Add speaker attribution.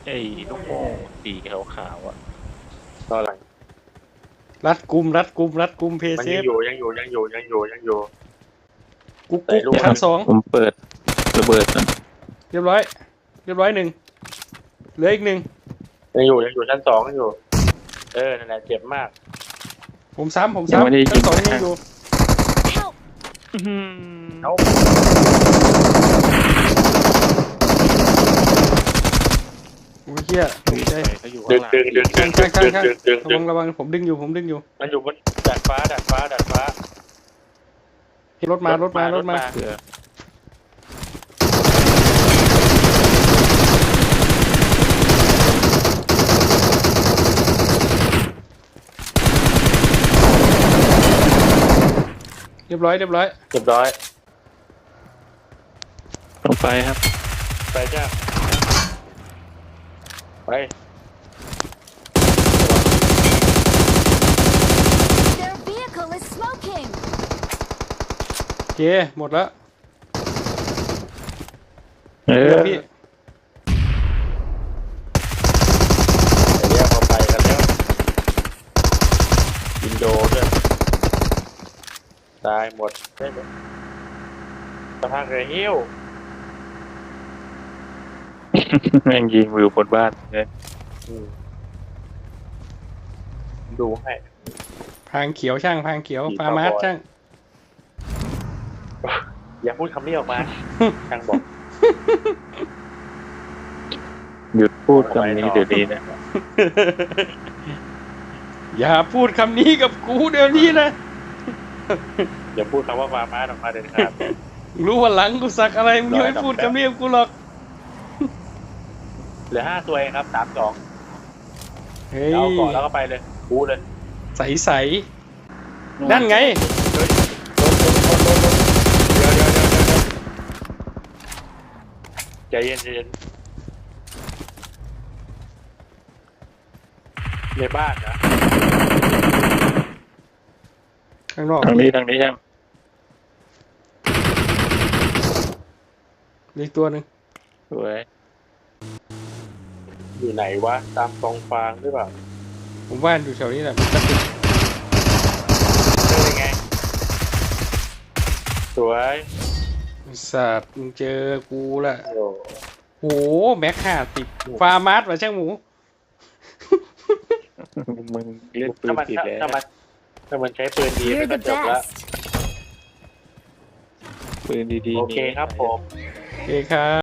Speaker 1: ไอ้ลูกโป่งสีขาวๆอ่ะ
Speaker 2: ตอนหลัง
Speaker 3: รัดกุมเพย์
Speaker 2: มัน
Speaker 3: เซ
Speaker 2: ยัง
Speaker 3: ฟ
Speaker 2: อยู่
Speaker 3: กุ๊ก
Speaker 2: แต่ลูก
Speaker 3: ชั้นสอง
Speaker 1: ผมเปิดระเบิดนะ
Speaker 3: เรียบร้อยหนึ่งเหลืออีกหนึ่ง
Speaker 2: ยังอยู่ชั้นสองยังอยู่นั่นแหละเจ็บมาก
Speaker 3: ผมซ้ำชั้นสองยังอยู่
Speaker 4: Help!
Speaker 2: เอา
Speaker 3: โอ้ยเหี้ยตกใจ
Speaker 1: เขาอยู่
Speaker 2: ดึ
Speaker 1: ข้าง งหลัง
Speaker 2: ดึง
Speaker 3: ระวังผมดึงอยู่
Speaker 2: มันอยู่บนดาดฟ้า
Speaker 3: รถมา
Speaker 2: รถมา
Speaker 1: เสือ
Speaker 3: เรียบร้อย
Speaker 2: เรียบร้อย
Speaker 1: ต้องไปครับ
Speaker 2: ไปจ้าไป
Speaker 4: Their vehicle is smoking!
Speaker 3: โอเคหมดแล้ว
Speaker 1: เอ
Speaker 3: เดี๋
Speaker 1: อ
Speaker 3: ยวพี่
Speaker 2: เรียกเขาไปกันแล้วอินโดด้วยตายหมดได้หมดสภาพเรือหิ้ว
Speaker 1: แม่งยิงวิวบนบ้านเลย
Speaker 2: ดูให้
Speaker 3: พางเขียวช่างพางเขียวฟาร์มาร์ช่าง
Speaker 2: อย่าพูดคำนี้ออกมาช่างบอก
Speaker 1: หยุดพูดคำนี้เดี๋ยวนี้นะ
Speaker 3: อย่าพูดคำนี้กับกูเดี๋ยวนี้นะ
Speaker 2: อย่าพูดคำว่าฟาร์มาออกมาเด็ดขาด
Speaker 3: รู้ว่าหลังกูสักอะไรมึงยังไม่พูดคำนี้กับกูหรอก
Speaker 2: เหลือ5 ตัวเองครับ3-2
Speaker 3: เฮ้ย
Speaker 2: เอาก่อนแล้วก็ไปเลยบูเลย
Speaker 3: ใสนั่นไง
Speaker 2: เฮ้ยรถเดี๋ยวใจเย็นในบ้านนะ
Speaker 3: ข้างนอก
Speaker 1: ทางนี้ใช่ไหม
Speaker 3: อีกตัวหนึ่ง
Speaker 1: สวย
Speaker 2: อยู่ไหนวะตามกองฟางหรือเปล่า
Speaker 3: ผมว่าอยู่แถวนี้แหละมันจะติด
Speaker 2: เป็นไงสวย
Speaker 3: สัตว์มึงเจอกูละ
Speaker 2: โอ้
Speaker 3: โหแม็ก50ฟาร์มาร์ว่ะช่างหมู
Speaker 1: มึงเล่นปืนผิดแล้ว
Speaker 2: ถ้ามันใช้ปืนดี
Speaker 4: You're
Speaker 2: มันก็
Speaker 4: the
Speaker 2: จบแล้ว
Speaker 4: best!
Speaker 1: ปืนดีๆ
Speaker 2: โอเคครับผม
Speaker 3: โอเคครับ